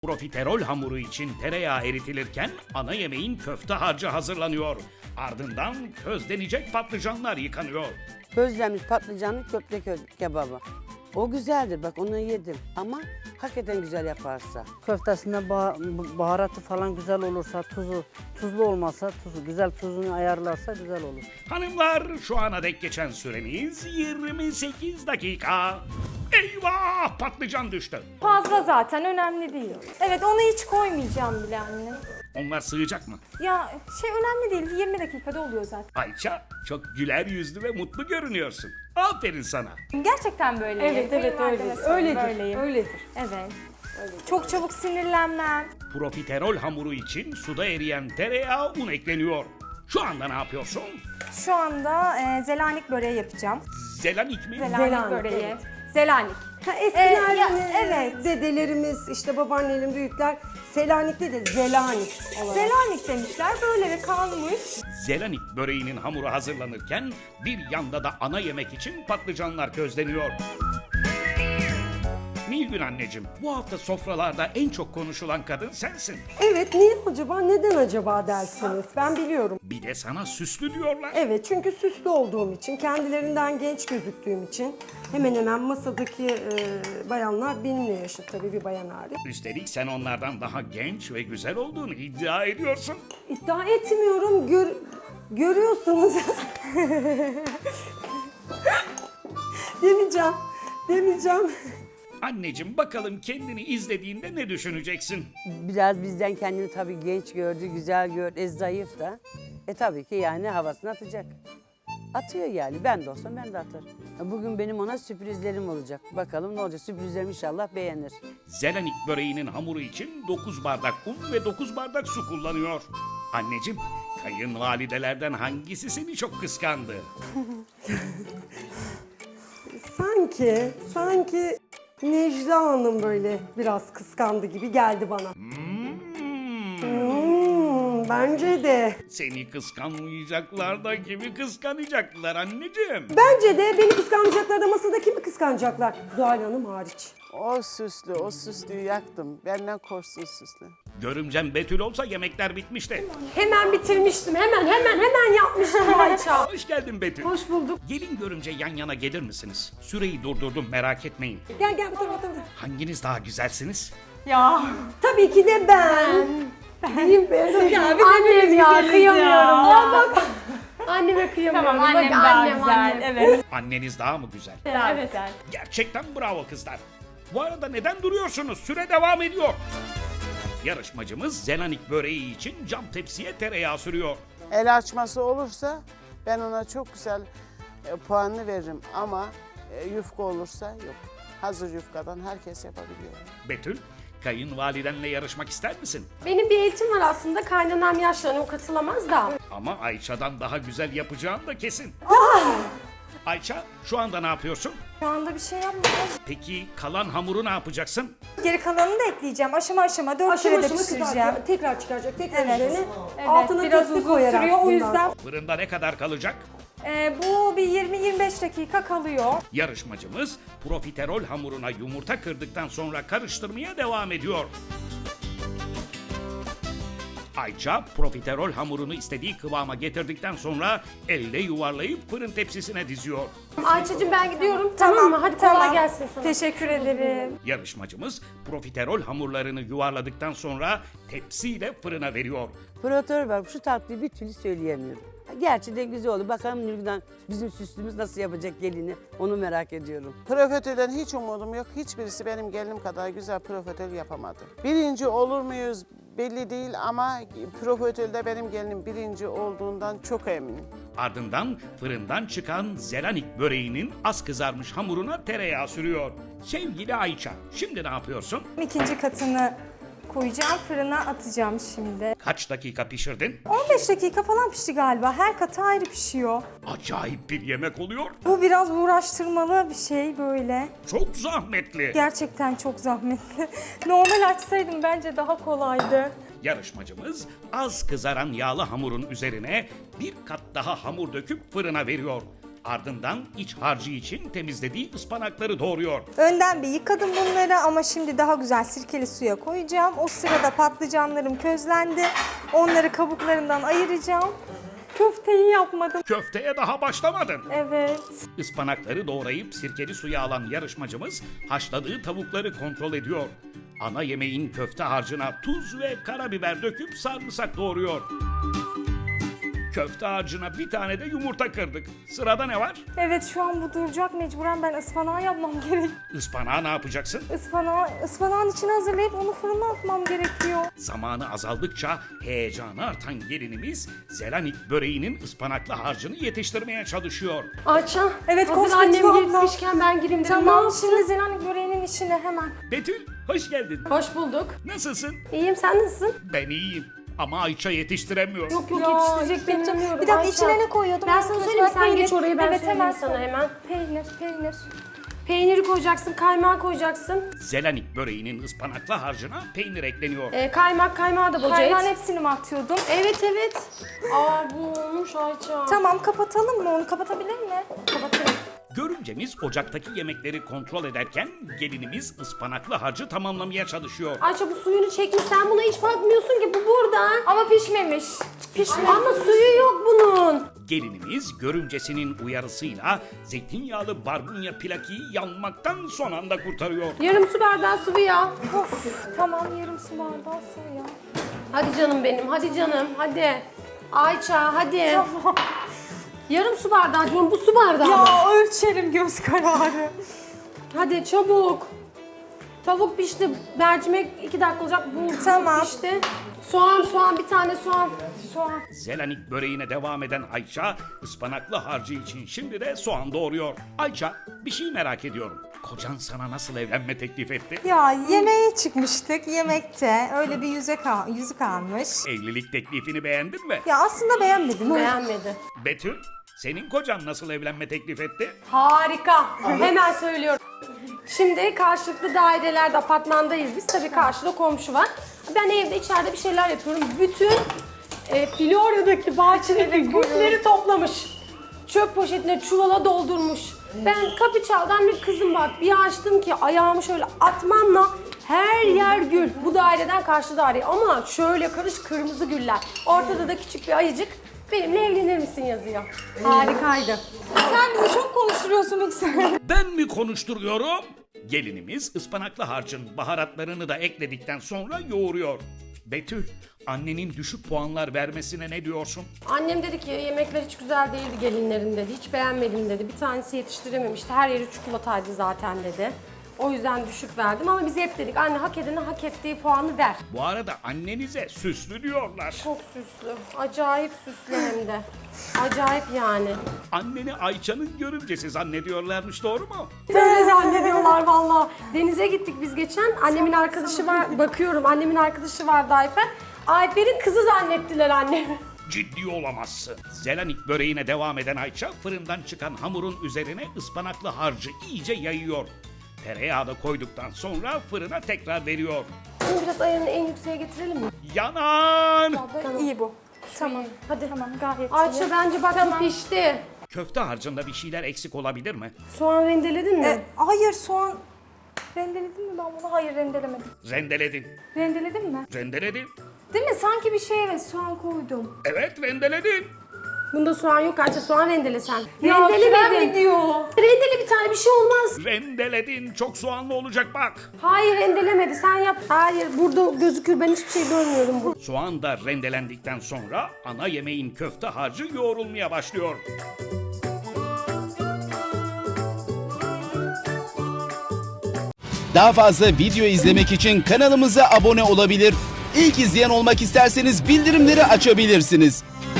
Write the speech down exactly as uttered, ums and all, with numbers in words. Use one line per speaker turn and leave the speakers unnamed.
Profiterol hamuru için tereyağı eritilirken ana yemeğin köfte harcı hazırlanıyor. Ardından közlenecek patlıcanlar yıkanıyor.
Közlenmiş patlıcanlı köfte kö- kebabı. O güzeldir, bak onu yedim ama hakikaten güzel yaparsa.
Köftesinde bah- baharatı falan güzel olursa, tuzu tuzlu olmasa, tuzu güzel tuzunu ayarlarsa güzel olur.
Hanımlar, şu ana dek geçen süremiz yirmi sekiz dakika. Eyvah, patlıcan düştü.
Fazla zaten önemli değil. Evet onu hiç koymayacağım bile anne.
Onlar sığacak mı?
Ya şey önemli değil yirmi dakikada oluyor zaten.
Ayça, çok güler yüzlü ve mutlu görünüyorsun. Aferin sana.
Gerçekten böyle.
Evet evet öyledir. Öyledir.
Böyleyim.
Öyledir.
Evet. Çok çabuk sinirlenmem.
Profiterol hamuru için suda eriyen tereyağı, un ekleniyor. Şu anda ne yapıyorsun?
Şu anda e, zelanik böreği yapacağım.
Zelanik mi?
Zelanik,
Zelanik,
böreği.
evet.
Zelanik.
Ha, eskiden
Ee, ya,
e,
evet.
dedelerimiz, işte babaannemin büyükler Selanik'te de Zelanik olarak.
Zelanik demişler böyle de kalmış.
Zelanik böreğinin hamuru hazırlanırken bir yanda da ana yemek için patlıcanlar közleniyor. Nilgün anneciğim, bu hafta sofralarda en çok konuşulan kadın sensin.
Evet, niye acaba, neden acaba dersiniz? Ben biliyorum.
Bir de sana süslü diyorlar.
Evet, çünkü süslü olduğum için, kendilerinden genç gözüktüğüm için hemen hemen masadaki e, bayanlar benimle yaşıt tabii, bir bayan hariç.
Üstelik sen onlardan daha genç ve güzel olduğunu iddia ediyorsun.
İddia etmiyorum, gör, görüyorsunuz. demeyeceğim, demeyeceğim.
Anneciğim, bakalım kendini izlediğinde ne düşüneceksin?
Biraz bizden kendini tabii genç gördü, güzel gördü, e, zayıf da. E tabii ki yani havasını atacak. Atıyor yani, ben de olsam ben de atarım. E, Bugün benim ona sürprizlerim olacak. Bakalım ne olacak, sürprizlerimi inşallah beğenir.
Zelanik böreğinin hamuru için dokuz bardak un ve dokuz bardak su kullanıyor. Anneciğim, kayınvalidelerden hangisi seni çok kıskandı?
Sanki, sanki Necla Hanım böyle biraz kıskandı gibi geldi bana. Hmm, bence de.
Seni kıskanmayacaklar da kimi kıskanacaklar anneciğim?
Bence de beni kıskanacaklar da masada kimi kıskanacaklar? Zuhal Hanım hariç.
O süslü, o süslüyü yaktım. Benden korksun süslü.
Görümcem Betül olsa yemekler bitmişti.
Hemen bitirmiştim, hemen hemen hemen yapmıştım Ayça.
Hoş geldin Betül.
Hoş bulduk.
Gelin görümce yan yana gelir misiniz? Süreyi durdurdum, merak etmeyin.
Gel gel bu tarafa, bu tarafa.
Hanginiz daha güzelsiniz?
Tabii ki de ben. Diyeyim ben. Ya bir
Annem ya kıyamıyorum ya.
Anneme kıyamıyorum.
Tamam annem
Bak,
daha
annem,
güzel.
annem.
Evet.
Anneniz daha mı güzel?
Daha güzel.
Gerçekten bravo kızlar. Bu arada neden duruyorsunuz? Süre devam ediyor. Yarışmacımız Zelanik böreği için cam tepsiye tereyağı sürüyor.
El açması olursa ben ona çok güzel e, puanını veririm ama e, yufka olursa yok. Hazır yufkadan herkes yapabiliyor.
Betül, kayınvalidenle yarışmak ister misin?
Benim bir eğitim var aslında. Kaynanam yaşlanıyor, o katılamaz da.
Ama Ayça'dan daha güzel yapacağın da kesin. Ayça, şu anda ne yapıyorsun?
Şu anda bir şey yapmıyorum.
Peki kalan hamuru ne yapacaksın?
Geri kalanını da ekleyeceğim. Aşama aşama dört
Aşama
kere de
aşama
pişireceğim.
kızartacak, tekrar çıkaracak, tekrar
Evet.
üzerine.
Evet,
Altına
biraz
tepsi
uzun
koyarak
sürüyor o
bundan
yüzden.
Fırında ne kadar kalacak?
e, bu bir yirmi yirmi beş dakika kalıyor.
Yarışmacımız profiterol hamuruna yumurta kırdıktan sonra karıştırmaya devam ediyor. Ayça profiterol hamurunu istediği kıvama getirdikten sonra elle yuvarlayıp fırın tepsisine diziyor.
Ayça'cığım ben gidiyorum. Tamam, mı? Hadi kolay gelsin sana.
Teşekkür ederim.
Yarışmacımız profiterol hamurlarını yuvarladıktan sonra tepsiyle fırına veriyor.
Provokatör var, şu tatlıyı bir türlü söyleyemiyorum. Gerçi de güzel oldu. Bakalım Nilgün bizim süslümüz nasıl yapacak gelini, onu merak ediyorum.
Profiterolden hiç umudum yok. Hiçbirisi benim gelinim kadar güzel profiterol yapamadı. Birinci olur muyuz belli değil ama profiterolde benim gelinim birinci olduğundan çok eminim.
Ardından fırından çıkan Zelanik böreğinin az kızarmış hamuruna tereyağı sürüyor. Sevgili Ayça, şimdi ne yapıyorsun?
İkinci katını koyacağım. Fırına atacağım şimdi.
Kaç dakika pişirdin?
on beş dakika falan pişti galiba. Her katı ayrı pişiyor.
Acayip bir yemek oluyor.
Bu biraz uğraştırmalı bir şey böyle.
Çok zahmetli.
Gerçekten çok zahmetli. Normal açsaydım bence daha kolaydı.
Yarışmacımız az kızaran yağlı hamurun üzerine bir kat daha hamur döküp fırına veriyor. Ardından iç harcı için temizlediği ıspanakları doğruyor.
Önden bir yıkadım bunları ama şimdi daha güzel sirkeli suya koyacağım. O sırada patlıcanlarım közlendi. Onları kabuklarından ayıracağım. Köfteyi yapmadım.
Köfteye daha başlamadın.
Evet.
Ispanakları doğrayıp sirkeli suya alan yarışmacımız haşladığı tavukları kontrol ediyor. Ana yemeğin köfte harcına tuz ve karabiber döküp sarımsak doğruyor. Köfte harcına bir tane de yumurta kırdık. Sırada ne var?
Evet şu an bu duracak. Mecburen ben ıspanağı yapmam gerek.
Ispanağı ne yapacaksın?
Ispanağı, ıspanağın içine hazırlayıp onu fırına atmam gerekiyor.
Zamanı azaldıkça heyecanı artan gelinimiz Zelanik böreğinin ıspanaklı harcını yetiştirmeye çalışıyor.
Ayça,
Evet,
hazır
koş
annem
Betül abla.
gitmişken ben gireyim dedim. Ne
Tamam
yaptın?
şimdi zelanik böreğinin içine hemen.
Betül, hoş geldin.
Hoş bulduk.
Nasılsın?
İyiyim, sen nasılsın?
Ben iyiyim. Ama Ayça yetiştiremiyor.
Yok yok
Ya,
yetiştirecek beni
yetiştireceğim.
bilmiyorum.
Bir dakika
Ayça.
içine ne koyuyordum?
Ben sana söyleyeyim mi? Sen
Peynir.
geç oraya ben
evet,
söyleyeyim
hemen
sana hemen.
Peynir, peynir.
Peyniri koyacaksın, kaymağı koyacaksın.
Zelanik böreğinin ıspanaklı harcına peynir ekleniyor.
Ee, kaymak, kaymağı da boca
Kaymağın
et.
hepsini mi atıyordum?
Evet evet. Aa bu olmuş Ayça.
Tamam kapatalım mı onu? Kapatabilir mi?
Kapatayım.
Görümcemiz ocaktaki yemekleri kontrol ederken gelinimiz ıspanaklı harcı tamamlamaya çalışıyor.
Ayça bu suyunu çekmiş, sen buna hiç bakmıyorsun ki, bu burada.
Ama pişmemiş. Pişmemiş.
Ama suyu yok bunun.
Gelinimiz görümcesinin uyarısıyla zeytinyağlı barbunya plakiyi yanmaktan son anda kurtarıyor.
Yarım su bardağı sıvı yağ.
Of, tamam yarım su bardağı sıvı ya.
Hadi canım benim, hadi canım, hadi. Ayça hadi.
Tamam.
Yarım su bardağı diyorum, bu su bardağı mı?
Ya ölçerim göz kararı.
Hadi çabuk. Tavuk pişti, mercimek iki dakika olacak, bu
Tamam.
pişti. Soğan, soğan, bir tane soğan.
Soğan.
Zelanik böreğine devam eden Ayça ıspanaklı harcı için şimdi de soğan doğuruyor. Ayça, bir şey merak ediyorum. Kocan sana nasıl evlenme teklif etti?
Ya yemeğe çıkmıştık yemekte. Öyle bir yüzük, al yüzük almış.
Evlilik teklifini beğendin mi?
Ya aslında beğenmedim.
Beğenmedi.
Betül, senin kocan nasıl evlenme teklif etti?
Harika. Hemen söylüyorum. Şimdi karşılıklı dairelerde, apartmandayız biz. Tabii karşıda komşu var. Ben evde içeride bir şeyler yapıyorum. Bütün e, Florya'daki bahçedeki gülleri toplamış. Çöp poşetine çuvala doldurmuş. Ben kapı çaldan bir kızım bak bir açtım ki ayağımı şöyle atmamla her yer gül. Bu daireden karşı daire ama şöyle karış kırmızı güller. Ortada da küçük bir ayıcık. Benimle evlenir misin yazıyor. Harikaydı.
Sen bizi çok konuşturuyorsun Mikser.
Ben mi konuşturuyorum? Gelinimiz ıspanaklı harcın baharatlarını da ekledikten sonra yoğuruyor. Betül, annenin düşük puanlar vermesine ne diyorsun?
Annem dedi ki yemekler hiç güzel değildi gelinlerin dedi. Hiç beğenmedim dedi. Bir tanesi yetiştirememişti. Her yeri çikolataydı zaten dedi. O yüzden düşük verdim ama biz hep dedik anne hak edene hak ettiği puanı ver.
Bu arada annenize süslü diyorlar.
Çok süslü. Acayip süslü hem de. Acayip yani.
Anneni Ayça'nın görümcesi zannediyorlarmış, doğru mu?
Böyle zannediyorlar valla. Denize gittik biz geçen. Annemin arkadaşı var. Bakıyorum annemin arkadaşı vardı Ayfer. Ayfer'in kızı zannettiler annemi.
Ciddi olamazsın. Zelanik böreğine devam eden Ayça fırından çıkan hamurun üzerine ıspanaklı harcı iyice yayıyor. Tereyağı da koyduktan sonra fırına tekrar veriyor.
Şimdi biraz ayarını en yükseğe getirelim mi?
Yanan!
İyi bu. Tamam.
Hadi.
Tamam gayet iyi.
Ayça bence bak bu pişti.
Köfte harcında bir şeyler eksik olabilir mi?
Soğan rendeledin mi?
E, hayır soğan. Rendeledin mi ben bunu? Hayır rendelemedim.
Rendeledin.
Rendeledim mi?
Rendeledin.
Değil mi? Sanki bir şey evet soğan koydum.
Evet, rendeledin.
Bunda soğan yok Ayça, soğan rendele sen.
Ya
Rendelemedin.
süren gidiyor.
Rendele bir tane, bir şey olmaz.
Rendeledin. Çok soğanlı olacak bak.
Hayır rendelemedi, sen yap. Hayır burada gözükür, ben hiçbir şey görmüyorum burada.
Soğan da rendelendikten sonra ana yemeğin köfte harcı yoğrulmaya başlıyor.
Daha fazla video izlemek için kanalımıza abone olabilir. İlk izleyen olmak isterseniz bildirimleri açabilirsiniz.